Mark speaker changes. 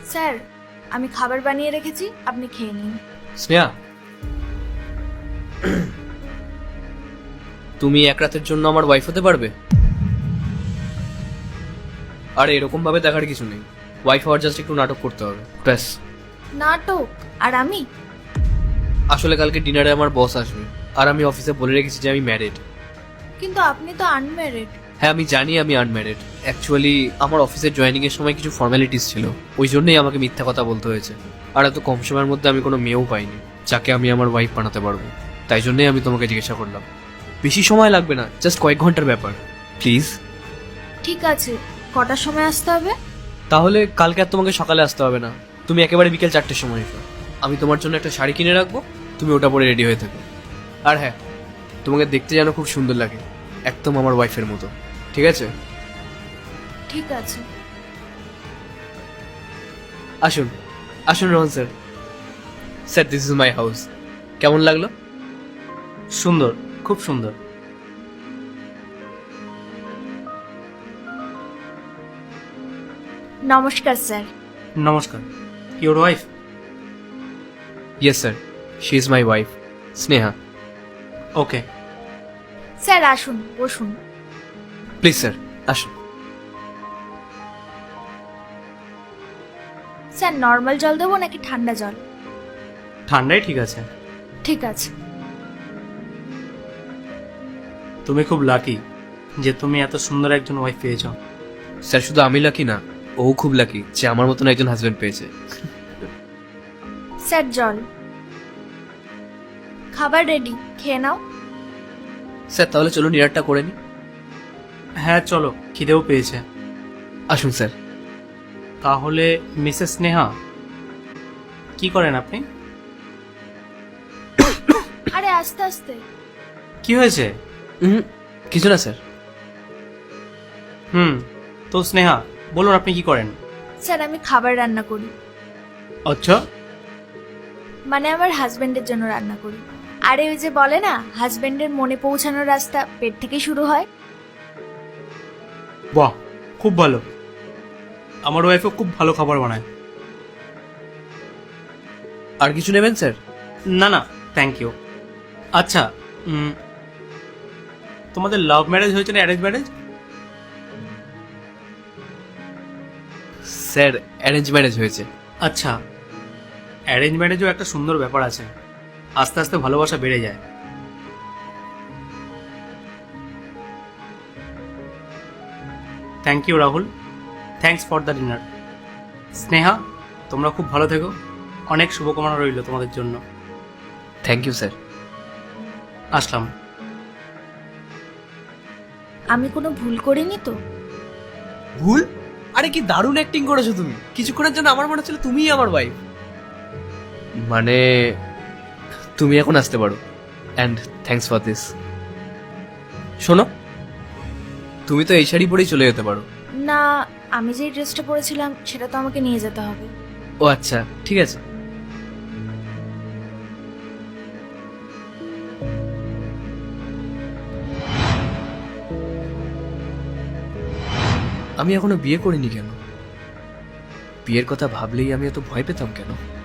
Speaker 1: Sir, আমি খাবার বানিয়ে রেখেছি, আপনি খেয়ে নিন।
Speaker 2: স্নেহা, তুমি এক রাতের জন্য আমার ওয়াইফ হতে পারবে? আর এরকম ভাবে দেখার কিছু নেই, ওয়াইফ হওয়ার জাস্ট একটু নাটক করতে হবে ব্যাস।
Speaker 1: নাটক? আর আমি?
Speaker 2: আসলে কালকে ডিনারে আমার বস আসবে, আর আমি অফিসে বলে রেখেছি যে আমি ম্যারিড।
Speaker 1: কিন্তু আপনি তো আনম্যারিড।
Speaker 2: হ্যাঁ আমি জানি আমি আনম্যারিড। অ্যাকচুয়ালি আমার অফিসের জয়েনিং এর সময় কিছু ফর্মালিটিস ছিল, ওই জন্যই আমাকে মিথ্যা কথা বলতে হয়েছে। আর এত কম সময়ের মধ্যে আমি কোনো মেয়েও পাইনি যাকে আমি আমার ওয়াইফ বানাতে পারবো। তাই জন্যই আমি তোমাকে জিজ্ঞাসা করলাম। বেশি সময় লাগবে না, জাস্ট কয়েক ঘন্টার ব্যাপার, প্লিজ।
Speaker 1: ঠিক আছে, কটার সময় আসতে হবে?
Speaker 2: তাহলে কালকে আর তোমাকে সকালে আসতে হবে না, তুমি একেবারে বিকেল 4টের সময় এসো। আমি তোমার জন্য একটা শাড়ি কিনে রাখবো, তুমি ওটা পরে রেডি হয়ে থাকো। আর হ্যাঁ, তোমাকে দেখতে যেন খুব সুন্দর লাগে, একদম আমার ওয়াইফের মতো, ঠিক আছে?
Speaker 1: ঠিক আছে।
Speaker 2: আসুন আসুন Rohan sir. Sir, this is my house. কেমন লাগলো?
Speaker 3: সুন্দর, খুব সুন্দর।
Speaker 1: নমস্কার স্যার।
Speaker 3: নমস্কার। Your wife?
Speaker 2: Yes sir, she is my wife, Sneha.
Speaker 3: Okay.
Speaker 1: Sir আসুন, বসুন।
Speaker 2: প্লিজ স্যার, আসুন।
Speaker 1: স্যার, নর্মাল জল দেবো নাকি ঠান্ডা জল?
Speaker 3: ঠান্ডাই ঠিক আছে।
Speaker 1: ঠিক আছে।
Speaker 3: তুমি খুব লাকি যে তুমি এত সুন্দর একজন ওয়াইফ পেয়েছ।
Speaker 2: স্যার, শুধু আমি লাকি না, ও খুব লাকি যে আমার মতন একজন হাজবেন্ড পেয়েছে।
Speaker 1: স্যার, জল। খাবার রেডি, খেয়ে নাও।
Speaker 2: স্যার তাহলে চলুন ডিনারটা করে নি।
Speaker 3: হ্যাঁ চলো, খিদেও পেয়েছে।
Speaker 2: আসুন স্যার।
Speaker 3: তাহলে মিসেস স্নেহা, কি করেন আপনি?
Speaker 1: আরে আস্তে আস্তে।
Speaker 3: কি হয়েছে?
Speaker 2: কিছু না স্যার।
Speaker 3: তো স্নেহা বলুন আপনি কি করেন?
Speaker 1: স্যার, আমি খাবার রান্না করি।
Speaker 3: আচ্ছা।
Speaker 1: মানে আমার হাজবেন্ডের জন্য রান্না করি। আরে ওই যে বলে না, হাজবেন্ডের মনে পৌঁছানোর রাস্তা পেট থেকে শুরু হয়।
Speaker 3: বাহ, খুব ভালো। আমার ওয়াইফও খুব ভালো খাবার বানায়।
Speaker 2: আর কিছু নেবেন স্যার?
Speaker 3: না না, থ্যাংক ইউ। আচ্ছা, তোমাদের লাভ ম্যারেজ হয়েছে না arrange marriage?
Speaker 2: Sir, arrange marriage হয়েছে।
Speaker 3: আচ্ছা, অ্যারেঞ্জ ম্যারেজও একটা সুন্দর ব্যাপার আছে, আস্তে আস্তে ভালোবাসা বেড়ে যায়। Thank you Rahul, thanks for the dinner. Sneha, তোমরা খুব ভালো থেকো, অনেক শুভকামনা রইল তোমাদের জন্য।
Speaker 2: Thank you sir.
Speaker 3: আসলাম।
Speaker 1: আমি কোনো ভুল করিনি তো?
Speaker 2: ভুল? আরে কি দারুণ অ্যাক্টিং করেছো তুমি, কিছুক্ষণের জন্য আমার মনে হচ্ছিল তুমিই আমার ওয়াইফ। মানে তুমি এখন আসতে পারো, অ্যান্ড থ্যাঙ্কস ফর দিস। শোনো, তুমি তো এই শাড়ি পরেই চলে যেতে পারো।
Speaker 1: না, আমি যে ড্রেসটা পরেছিলাম সেটা তো আমাকে নিয়ে যেতে হবে।
Speaker 2: ও আচ্ছা, ঠিক আছে। আমি এখনো বিয়ে করিনি কেন? বিয়ের কথা ভাবলেই আমি এত ভয় পেতাম কেন?